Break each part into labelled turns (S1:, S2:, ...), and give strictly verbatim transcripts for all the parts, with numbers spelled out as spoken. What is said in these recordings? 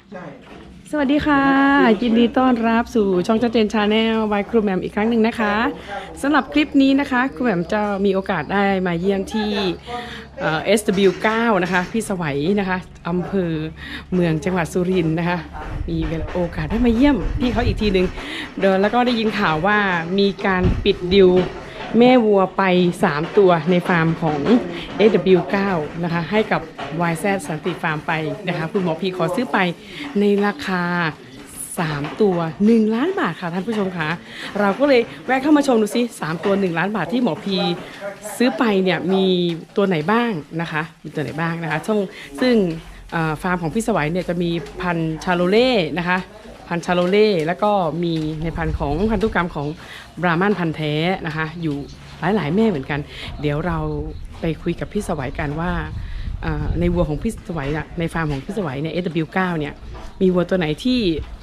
S1: สวัสดีค่ะยินดีต้อนรับสู่ช่องชัดเจนชาแนลบายครูแหม่มอีกครั้งหนึ่งนะคะสำหรับคลิปนี้นะคะครูแหม่มจะมีโอกาสได้มาเยี่ยมที่ เอส ดับเบิลยู ไนน์ นะคะพี่สวัยนะคะอำเภอเมืองจังหวัดสุรินทร์นะคะมีโอกาสได้มาเยี่ยมพี่เขาอีกทีหนึ่งเดินแล้วก็ได้ยินข่าวว่ามีการปิดดิวแม่วัวไปสามตัวในฟาร์มของ เอส ดับเบิลยู ไนน์ นะคะให้กับ วาย แซด สันติฟาร์มไปนะคะคุณหมอพีขอซื้อไปในราคาสามตัวหนึ่งล้านบาทค่ะท่านผู้ชมคะเราก็เลยแวะเข้ามาชมดูซิสามตัวหนึ่งล้านบาทที่หมอพีซื้อไปเนี่ยมีตัวไหนบ้างนะคะมีตัวไหนบ้างนะคะช่องซึ่งฟาร์มของพี่สวัยเนี่ยจะมีพันธุ์ชาโลเล่นะคะพันธุ์ชาโลเล่แล้วก็มีในพันธุ์ของพันธุกรรมของบราหมันพันธุ์แท้นะคะอยู่หลายๆแม่เหมือนกันเดี๋ยวเราไปคุยกับพี่สวัยกันว่าในวัวของพี่สวัยในฟาร์มของพี่สวัยเนี่ย เอส ดับเบิลยู ไนน์ เนี่ยมีวัวตัวไหนที่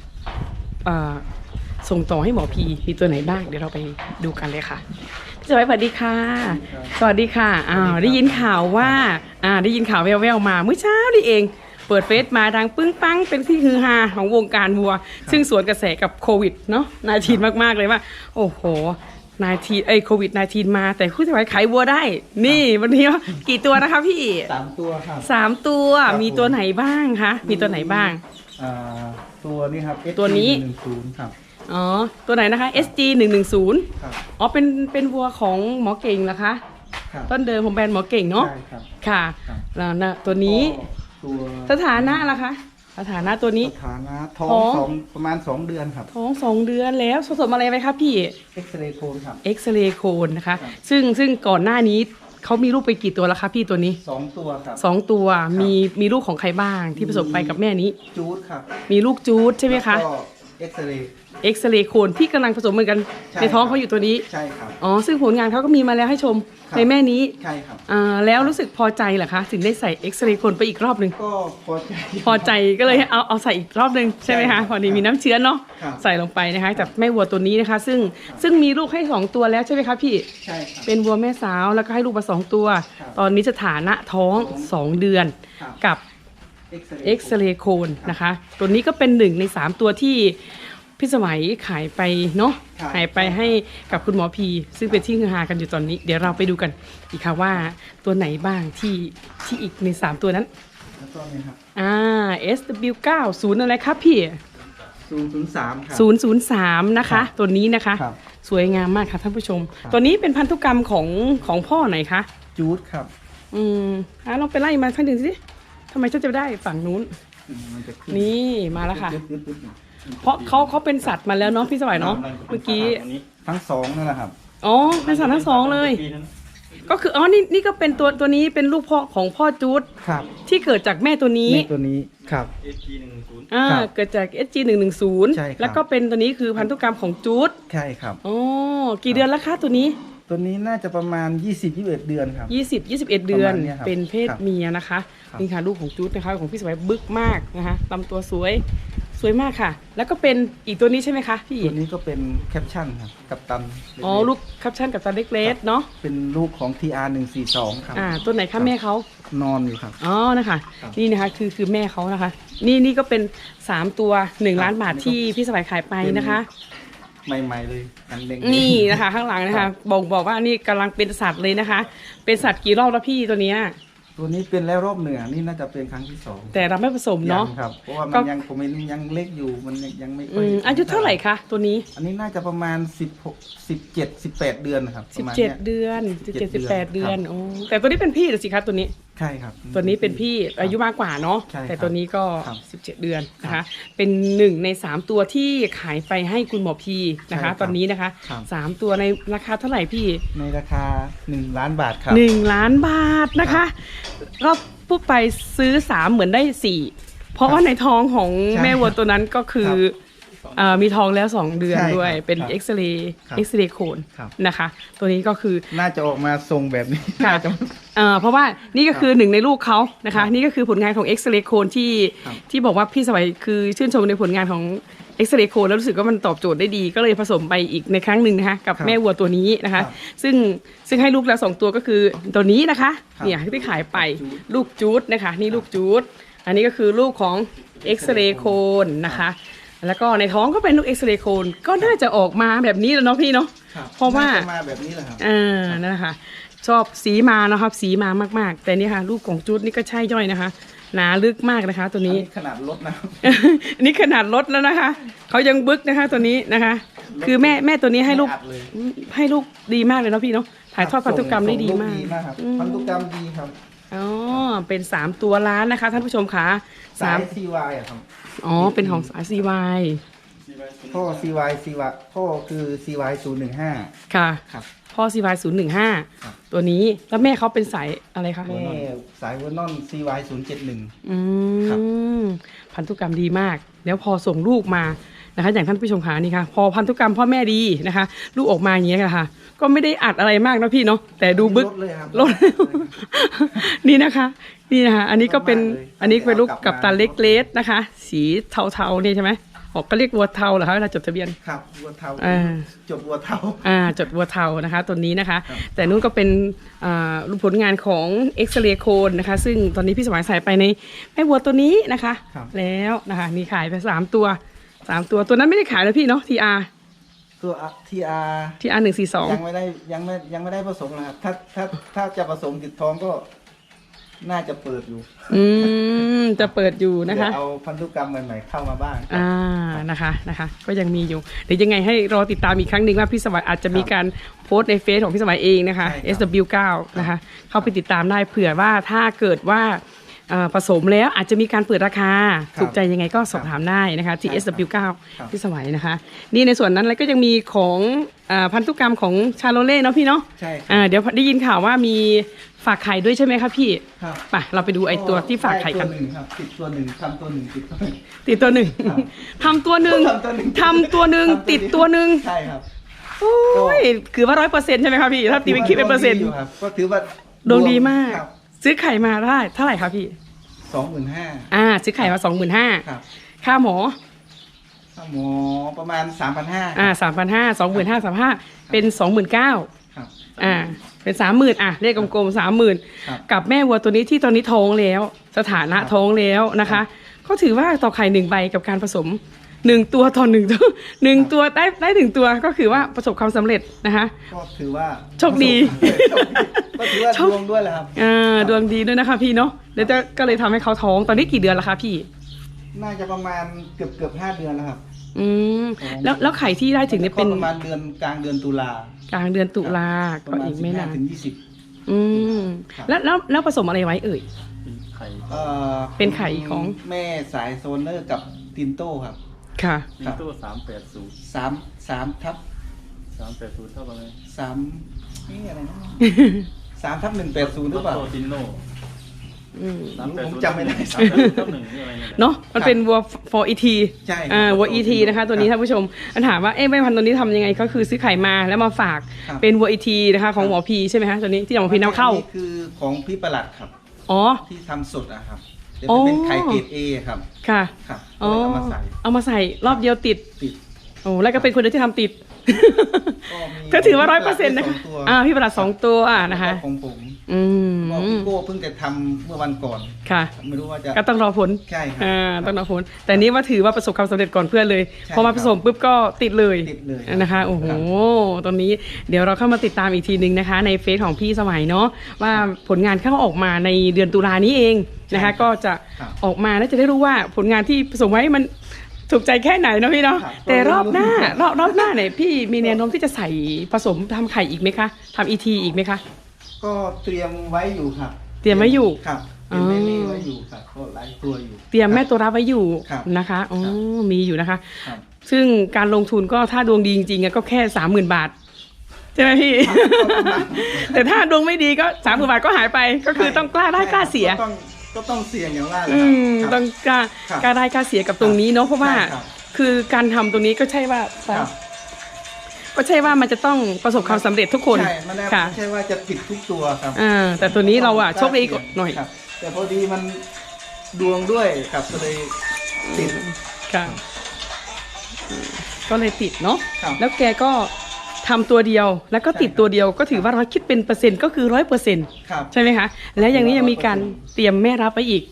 S1: ส่งต่อให้หมอพีมีตัวไหนบ้างเดี๋ยวเราไปดูกันเลยค่ะพี่สวัยสวัสดีค่ะสวัสดีค่ะอ้าวได้ยินข่าวว่าอ่าได้ยินข่าวแว่วๆมาเมื่อเช้านี่เองเปิดเฟซมาดังปึ้งปังเป็นที่ฮือฮาของวงการวัวซึ่งสวนกระแสกับโควิดเนาะนายทีนมากๆเลยว่าโอ้โหนายทีเอ้ยโควิดนายทีนมาแต่พี่สวัยขายวัวได้นี่วันนี้กี่ตัวนะคะพี่
S2: สามตัวครับ
S1: สามตัวมีตัวไหนบ้างคะมีตัวไหนบ้าง
S2: อ่าตัวนี้ครับ
S1: ตัวนี้
S2: หนึ่งศูนย์ครับ
S1: อ๋อตัวไหนนะคะ เอส จี หนึ่งหนึ่งศูนย์
S2: ครับ
S1: อ๋อเป็นเป็นวัวของหมอเก่งเหรอคะ
S2: ครับ
S1: ต้นเดิมของแบรนด์หมอเก่งเนาะ
S2: ใช่ครับ
S1: ค่ะแล้วนะตัวนี้
S2: ตัว
S1: สถานะล่ะคะสถานะตัวนี้
S2: สถานะท้องสองประมาณสองเดือนครับ
S1: ท้องสองเดือนแล้วผสมอะไรไปครับพี่
S2: เอ็กซเรย์โคนครับ
S1: เอ็กซเรย์โคนนะคะซึ่งซึ่งก่อนหน้านี้เขามีลูกไปกี่ตัวแล้วคะพี่ตัวนี้
S2: สองตัวครับ
S1: สองตัวมีมีลูกของใครบ้างที่ผสมไปกับแม่นี้
S2: จูดครับ
S1: มีลูกจูดใช่ไหมคะ
S2: ก็เอ็กซเรย์
S1: เอ็กซเรย์โคนที่กำลังผสมเหมือนกันในท้องเขาอยู่ตัวนี้
S2: ใช่ครับ
S1: อ๋อซึ่งผลงานเขาก็มีมาแล้วให้ชมในแม่นี้
S2: ใช่ครับ
S1: อ่าแล้วรู้สึกพอใจเหรอคะถึงได้ใส่เอ็กซเรย์โคนไปอีกรอบหนึ่ง
S2: ก็พอใจ
S1: พอใจก็เลยเอาเอาใส่อีกรอบหนึ่งใช่ไหมคะพอดีมีน้ำเชื้อเนาะใส่ลงไปนะคะจากแม่วัวตัวนี้นะคะซึ่งซึ่งมีลูกให้สองตัวแล้วใช่ไหมคะพี่
S2: ใช่ครับ
S1: เป็นวัวแม่สาวแล้วก็ให้ลูกมาสองตัวตอนนี้สถานะท้องสองเดือนกับเอ็กซเรย์โคนนะคะตัวนี้ก็เป็นหนึ่งในสามตัวที่พี่สมัยขายไปเนาะขายไปให้กับคุณหมอพีซึ่งเป็นที่ฮือฮากันอยู่ตอนนี้เดี๋ยวเราไปดูกันอีกค่ะว่าตัวไหนบ้างที่ที่อีกในสามตัวนั้น
S2: แล้วก็นี่ครับ
S1: อ่า เอส ดับเบิลยู ไนน์ ศูนย์อะไรครับพี่
S2: ศูนย์ศูนย์สามครับ
S1: ศูนย์ศูนย์สามนะคะตัวนี้นะคะสวยงามมากค่ะท่านผู้ชมตัวนี้เป็นพันธุกรรมของของพ่อไหนคะ
S2: จูดครับ
S1: อืมอ่าลองไปไล่มาสักหนึ่งสิทำไมฉันจะได้ฝั่งนู้นนี่มาแล้วค่ะเพราะเขาเขาเป็นสัตว์มาแล้วเนาะพี่สวัยเนาะเมื่อกี้
S2: ทั้งสองนั่นแหละครับ
S1: อ๋อเป็นสัตว์ทั้งสองเลยก็คืออ๋อนี่นี่ก็เป็นตัวตัวนี้เป็นลูกพ่อของพ่อจูด
S2: ครับ
S1: ที่เกิดจากแม่ตัวนี้
S2: แม่ตัวนี้ครับ
S1: เอส จี หนึ่งหนึ่งศูนย์อ่าเกิดจาก เอส จี หนึ่งหนึ่งศูนย์
S2: ใช่ครับ
S1: แล้วก็เป็นตัวนี้คือพันธุกรรมของจูด
S2: ใช่ครับ
S1: อ๋อกี่เดือนแล้วคะตัวนี้
S2: ตัวนี้น่าจะประมาณยี่สิบ ยี่สิบเอ็ดเดือนครับ
S1: ยี่สิบ ยี่สิบเอ็ดเดือนเป็นเพศเมียนะคะนี่ค่ะลูกของจูดนะคะของพี่สวยบึกมากนะคะลำตัวสวยสวยมากค่ะแล้วก็เป็นอีกตัวนี้ใช่ไหมคะพี่
S2: ตัวนี้ก็เป็นแคปชั่นครับกัปตัน
S1: อ๋อลูกแคปชั่นกัปตันเล็กๆเนาะ
S2: เป็นลูกของ ที อาร์ หนึ่งสี่สองครับ
S1: อ่าตัวไหนคะแม่เขา
S2: นอนอยู่ครับ
S1: อ๋อนะคะนี่นะคะคือคือแม่เขานะคะนี่นี่ก็เป็นสามตัวหนึ่งล้านบาทที่พี่สบายขายไปนะคะ
S2: ใหม่ๆเลยอันเล็ก
S1: นี่นะคะข้างหลังนะคะบอกบอกว่านี่กำลังเป็นสัตว์เลยนะคะเป็นสัตว์กี่รอบแล้วพี่ตัวเนี้ย
S2: ตัวนี้เป็นแล้วรอบเหนือนี่น่าจะเป็นครั้งที่สอง
S1: แต่เราไม่ผสมเนาะ
S2: ครับเพราะว่ามันยังผมยังเล็กอยู่มันยังไม่ค่อย
S1: อายุเท่าไหร่คะตัวนี้
S2: อันนี้น่าจะประมาณสิบหก สิบเจ็ด สิบแปดเดือนนะครับ
S1: สิบเจ็ดเดือนสิบเจ็ด สิบแปดเดือนโอ้แต่ตัวนี้เป็นพี่หรือสิคะตัวนี้
S2: ใช่ครับ
S1: ตัวนี้เป็นพี่อายุมากกว่าเนาะแต่ตัวนี้ก็สิบเจ็ดเดือนนะคะเป็นหนึ่งในสามตัวที่ขายไปให้คุณหมอพีนะคะตอนนี้นะคะสามตัวในราคาเท่าไหร่พี่
S2: ในราคาหนึ่งล้านบาทครับ
S1: หนึ่งล้านบาทนะคะก็ปุ๊บไปซื้อสามเหมือนได้สี่เพราะว่าในท้องของแม่วัวตัวนั้นก็คือมีท้องแล้วสองเดือนด้วยเป็นเอ็กซเรย์เอ็กซเรย์โคนนะคะตัวนี้ก็คือ
S2: น่าจะออกมาทรงแบบนี้
S1: ค่ะเพราะว่านี่ก็คือหนึ่งในลูกเขานะคะนี่ก็คือผลงานของเอ็กซเรย์โคนที่ที่บอกว่าพี่สวัยคือชื่นชมในผลงานของเอ็กซเรย์โคนแล้วรู้สึกว่ามันตอบโจทย์ได้ดีก็เลยผสมไปอีกในครั้งหนึ่งนะคะกับแม่วัวตัวนี้นะคะซึ่งซึ่งให้ลูกแล้วสองตัวก็คือตัวนี้นะคะเนี่ยที่ขายไปลูกจูดนะคะนี่ลูกจูดอันนี้ก็คือลูกของเอ็กซเรย์โคนนะคะแล้วก็ในท้องก็เป็นลูกเอ็กซเรย์โคนก็น่าจะออกมาแบบนี้แล้วเนาะพี่เนาะ
S2: ครับ
S1: เพราะว่า
S2: น่จะมาแบบนี้แหละครับ
S1: อ่านั่นแหละค่ะชอบสีมานะครับสีมามากๆ แต่นี่ค่ะลูกของจุดนี่ก็ใช่ย่อยนะคะหนาลึกมากนะคะตัว
S2: อัน
S1: นี้
S2: นี้ขนาดรถนะครับ
S1: อันนี้ขนาดลดแล้วนะคะเขายังบึกนะคะตัวนี้นะคะ คือแม่แม่ตัวนี้ให้ลูก
S2: ไม่อัดเลย
S1: ให้ลูกดีมากเลยเนาะพี่เนาะถ่ายทอดพันธุกรรมได้ดีมาก
S2: ส่งลูดีมากครับ
S1: อืม
S2: พันธุกรรมดีครับ
S1: อ๋อเป็นสามตัวล้านนะคะท่านผู้ชมค่ะ
S2: สา
S1: สาย ม
S2: ซีวายอะครับ
S1: อ๋อเป็นของสายซีวาย
S2: พ่อ ซี วาย ซี วาย พ่อคือ ซี วาย ศูนย์หนึ่งห้า
S1: ค่ะ
S2: ครับ
S1: พ่อซีวายศูนย์หนึ่งห้า
S2: ครับ
S1: ตัวนี้แล้วแม่เขาเป็นสายอะไรคะ
S2: แม่สายเวอร์นอน ซี วาย ศูนย์เจ็ดหนึ่ง
S1: อื
S2: ครับ
S1: มพันธุกรรมดีมาก แล้วพอส่งลูกมานะคะอย่างท่านผู้ชมขานี่ค่ะ พอพันธุกรรมพ่อแม่ดีนะคะ ลูกออกมาอย่างเงี้ยค่ะ ก็ไม่ได้อัดอะไรมากนะพี่เนาะแต่ดูบึก
S2: ลดเลยครับ
S1: ลด นี่นะคะ นี่นะคะ อันนี้ก็เป็น
S2: ลดมากเลย
S1: อันนี้เป็นลูก
S2: เอากลั
S1: กับบ
S2: มา
S1: ตาเล็กเลสนะคะ สีเทาๆนี่ใช่ไหมออกก็เรียกวัวเทาเหรอคะเวลาจดทะเบียน
S2: ครับวัวเทา
S1: อ่า
S2: จบวัวเทา
S1: อ่าจดวัวเทานะคะตัวนี้นะคะ
S2: ครับ
S1: แต่นู้นก็เป็นอ่าผลงานของเอ็กซเรย์โคนนะคะ ซึ่งตอนนี้พี่สมัยใส่ไปในแม่วัวตัวนี้นะคะ
S2: ครับ
S1: แล้วนะคะนี่ขายไปสามตัวสามตัวตัวนั้นไม่ได้ขายแล้วพี่เนาะทีอาร์
S2: ตัวทีอาร์
S1: ทีอาร์หนึ่งสี่สอง
S2: ยังไม่ได้ยังไม่ยังไม่ได้ผสมนะครับ ถ้าถ้าถ้าจะผสมติดท้องก็น่าจะเปิดอยู่
S1: อืมจะเปิดอยู่นะคะ
S2: เดี๋ยวเอาพันธุกรรมใหม่ๆเข้ามาบ้าง
S1: อ่านะคะนะคะ ก็ยังมีอยู่เดี๋ยวยังไงให้รอติดตามอีกครั้งหนึ่งว่าพี่สมัยอาจจะมีการโพสต์ในเฟซของพี่สมัยเองนะคะ
S2: ใช่ครับ
S1: เอส ดับเบิลยู เก้า นะคะ เข้าไปติดตามได้เผื่อว่าถ้าเกิดว่าเอ่อผสมแล้วอาจจะมีการเปิดราคา
S2: ครับ
S1: ถูกใจยังไงก็สอบถามได้นะคะที่
S2: ใช่
S1: เอส ดับเบิลยู เก้า
S2: ครับ
S1: พี่สมัยนะคะ นี่ในส่วนนั้นแล้วก็ยังมีของอ่าพันธุกรรมของชาโลเล่เนาะพี่เนาะ
S2: ใช่ครับ
S1: อ่าเดี๋ยวได้ยินข่าวว่ามีฝากไข่ด้วยใช่ไหมคะพี่
S2: ครับ
S1: ไปเราไปดูไอ้ตัวที่ฝากไข่กัน
S2: ได้ตัวหนึ่งครับติดตัวหนึ่งทำตัวหนึ่งติดตัวหนึ่ง
S1: ติดตัวหนึ่ง
S2: ครับ
S1: ทำตัวหนึ่ง
S2: ทำตัวหนึ่ง
S1: ทำตัวหนึ่งติดตัวหนึ่ง
S2: ใช่ครับ
S1: โอ้ยคือว่าร้อยเปอร์เซ็นต์ใช่ไหมคะพี่ ถ้าตีเป็นคิดเป็นเปอร์เซ็นต์
S2: ดวงดียู่ครับก็ถือว่า
S1: ดวงดีมาก
S2: ครับ
S1: ซื้อไข่มาได้เท่าไหร่คะพี่
S2: สองหมื่นห้า
S1: อ่า ซื้อไข่มาสองหมื่นห้า
S2: ครับ
S1: ค่าหมอ
S2: ค่าหมอประมาณสามพันห้า
S1: อ่าสามพันห้าสองหมื่นห้าสามห้าเป็นสองหมื่นเก้า
S2: ครับ
S1: อ่า เป็นสามหมื่นอ่ะเลขกลมๆสามหมื่น
S2: ครับ
S1: กับแม่วัวตัวนี้ที่ตอนนี้ท้องแล้ว สถานะท้องแล้วนะคะ ก็ถือว่าต่อไข่หนึ่งใบกับการผสมหนึ่งตัวต่อหนึ่งตัวหนึ่งตัวได้ได้ถึงตัวก็คือว่าประสบความสำเร็จนะคะ
S2: ก็ถือว่า
S1: โชคดี
S2: ก็ถือว่าดวงด้วยแหละครับ
S1: อ่าดวงดีด้วยนะคะพี่เนาะแล้วจะก็เลยทำให้เขาท้องตอนนี้กี่เดือนแล้วคะพี่
S2: น่าจะประมาณเกือบเกือบห้าเดือนแล้วครับ
S1: อืมแล้วแล้วไข่ที่ได้ถึงเนี่ยเป็น
S2: ก็ประมาณเดือนกลางเดือนตุลาก
S1: ลางเดือนตุลา
S2: ประ
S1: ก็
S2: มาณ
S1: อีก
S2: สิบ
S1: ไม่
S2: ห้า
S1: นาน
S2: ถึงยี่สิบ
S1: อืม
S2: ครับ
S1: แล้วแล้วแล้วผสมอะไรไว้เอ่ย
S3: ไข่
S2: เอ่อ
S1: เป็นไข่ของ
S2: แม่สายโซนเนอร์กับตินโต้ครับ
S1: ค่ะ
S3: มิโต้สามแปดศูนย์
S2: สามสามทับ
S3: สามแปดศูนย์เท่าไหร่
S2: สามนี่อะไรนะสามทับหนึ่งแปดศูนย์หรือเปล่า
S3: โตตินโน่
S1: อืม
S3: สามแปด
S2: ผม
S3: ศูนย์
S2: จำไม่ได้
S3: สามแปดศูนย์เท่าหนึ่งนี่อะไรเนี่ย
S1: เนาะมันเป็นวัว for อี ที
S2: ใช่ครับ
S1: อ่าวัว อี ที นะคะ ตัวนี้
S2: ครับ
S1: ท่านผู้ชมอันถามว่าเอ๊ะแม่พันธุ์ตัวนี้ทำยังไงก็คือซื้อไข่มาแล้วมาฝาก
S2: ครับ
S1: เป็นวัว อี ที นะคะของหมอพีใช่ไหมคะตัวนี้ที่หมอพีนำเข้า
S2: อันนี้คือของพี่ประหลัดครับ
S1: อ๋อ
S2: ที่ทำสดอะครับจะ
S1: อ๋อ
S2: เป็นไข่เกรดเอครับ
S1: ค่ะ
S2: ครับ
S1: อ๋อ
S2: ก็เลยเอามาใส่
S1: เอามาใส่รอบเดียวติด
S2: ติด
S1: โอ้แล้วก็เป็นคนเดียวที่ทำติด
S2: ก็มี
S1: ก็ถือว่าร้อยเปอร์เซ็นต์นะคะ
S2: สงตัว
S1: อ่าพี่ประหลัดสองตัวนะคะ
S2: แล้วก็ของผม
S1: อืม
S2: ก็พี่โก้เพิ่งจะทำเมื่อวันก่อน
S1: ค่ะ
S2: ไม่รู้ว่าจะ
S1: ก็ต้องรอผล
S2: ใช่ครับ
S1: อ่าต้องรอผล แต่นี้ว่าถือว่าประสบความสำเร็จก่อนเพื่อนเลย
S2: ใช่
S1: พอมาผสมปุ๊บก็ติดเลย
S2: ติดเลย
S1: นะคะ โอ้โห
S2: ครับ
S1: ตอนนี้เดี๋ยวเราเข้ามาติดตามอีกทีหนึ่งนะคะ ในเฟซของพี่สมัยเนาะว่าผลงานเข้าออกมาในเดือนตุลานี้เองนะคะ ก็จะ
S2: ครับ
S1: ออกมาแล้วจะได้รู้ว่าผลงานที่ผสมไว้มันถูกใจแค่ไหนเนาะพี่เนาะ
S2: ครับ
S1: แต่รอบหน้ารอบรอบหน้าเนี่ยพี่มีแนวโน้มที่จะใส่ผสมทำไข่อีกไหมคะทำอีทีอีกไหมคะ
S2: ก็เตรียมไว้อยู่ครับ
S1: เตรียมไว้อยู่
S2: ครับเตรียมแม่เล่ไว้อยู่ครับก็หลายตัวอยู่
S1: เตรียมแม่ตัวรับไว้อยู่
S2: ครับ
S1: นะคะอ๋อ
S2: ครับ
S1: มีอยู่นะคะ
S2: ครับ
S1: ซึ่งการลงทุนก็ถ้าดวงดีจริงๆอะก็แค่สามหมื่นบาท ใช่ไหมพี่ แต่ถ้าดวงไม่ดีก็สามหมื่นบาทก็หายไปก็คือต้องกล้าได้กล้าเสีย
S2: ก็ต้องก็ต้องเสี่ยงอย่างว่าแหละ
S1: อื
S2: ครับ
S1: มต้องกล้า
S2: ครับ
S1: กล้าได้กล้าเสียกับตรงนี้เนาะเพราะว่า
S2: ใช่ครับ
S1: คือการทำตรงนี้ก็ใช่ว่า
S2: ครับ
S1: ก็ใช่ว่ามันจะต้องประสบความสำเร็จทุกคน
S2: ใช่มันแน่
S1: ค่ะ
S2: ไม่ใช่ว่าจะติดทุกตัวครับ
S1: อ่าแต่ตัวนี้เราอะโชคดีกว่าหน่อย
S2: ครับแต่พอดีมันดวงด้วยครับก็เลยติด
S1: ค่ะอืมก็เลยติดเนาะ
S2: ครับ
S1: แล้วแกก็ทำตัวเดียวแล้วก็ติด
S2: ใช่ครับ
S1: ตัวเดียวก็ถือว่าร้อยคิดเป็นเปอร์เซ็นต์ก็คือร้อยเปอร์เซ็นต์
S2: ครับ
S1: ใช่ไหมคะ และอย่างนี้ยังมีการ
S2: ร้อยเปอร์เซ็นต์
S1: เตรียมแม่รับไปอีก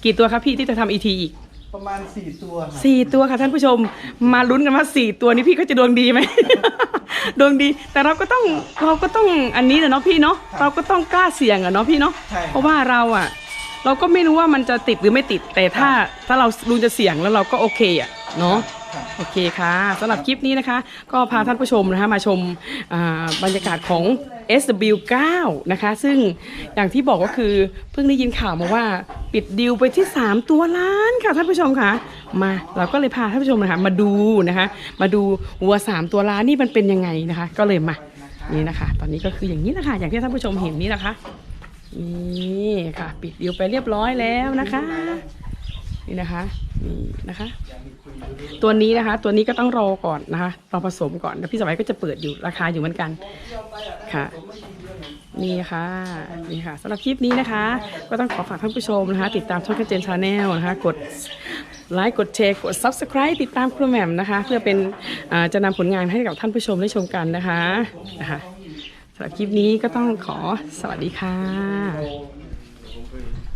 S1: กี่ตัวครับพี่ที่จะทำอีทีอีก
S2: ประมาณสี่ตัวครับ
S1: สี่ตัวค่ะท่านผู้ชมมาลุ้นกันว่าสี่ตัวนี้พี่ก็จะดวงดีไหม ดวงดีแต่เราก็ต้องเราก็ต้องอันนี้นะเนาะพี่เนาะเราก็ต้องกล้าเสี่ยงอะเนาะพี่เนาะ
S2: ใช่
S1: เพราะว่าเราอะเราก็ไม่รู้ว่ามันจะติดหรือไม่ติด แต่ถ้าถ้าเราลุงจะเสี่ยงแล้วเราก็โอเคอะเนาะ
S2: ครับ
S1: โอเคค่ะสำหรับคลิปนี้นะคะ ก็พาท่านผู้ชมนะคะมาชมอ่าบรรยากาศของ เอส ดับเบิลยู ไนน์ นะคะซึ่งอย่างที่บอกก็คือเพิ่งได้ยินข่าวมาว่าปิดดีลไปที่สามตัวล้านค่ะท่านผู้ชมค่ะมาเราก็เลยพาท่านผู้ชมนะคะมาดูนะคะมาดูวัวสามตัวล้านนี่มันเป็นยังไงนะคะ ก็เลยมานี่นะคะ ตอนนี้ก็คืออย่างนี้นะคะอย่างที่ท่านผู้ชมเห็นนี่นะคะนี่ค่ะปิดดีลไปเรียบร้อยแล้วนะคะนี่นะคะนี่นะคะ ตัวนี้นะคะ ตัวนี้ก็ต้องรอก่อนนะคะรอผสมก่อนแล้วพี่สมัยก็จะเปิดอยู่ราคาอยู่เหมือนกันค่ะนี่ค่ะนี่ค่ะสำหรับคลิปนี้นะคะ ก็ต้องขอฝากท่านผู้ชมนะคะ ติดตามช่องแคทเจนชาแนลนะคะกดไลค์กดแชร์กด ซับสไครบ์ ติดตามครูแหม่มนะคะ เพื่อเป็นอ่าจะนำผลงานให้กับท่านผู้ชมได้ชมกันนะคะนะคะสำหรับคลิปนี้ก็ต้องขอสวัสดีค่ะ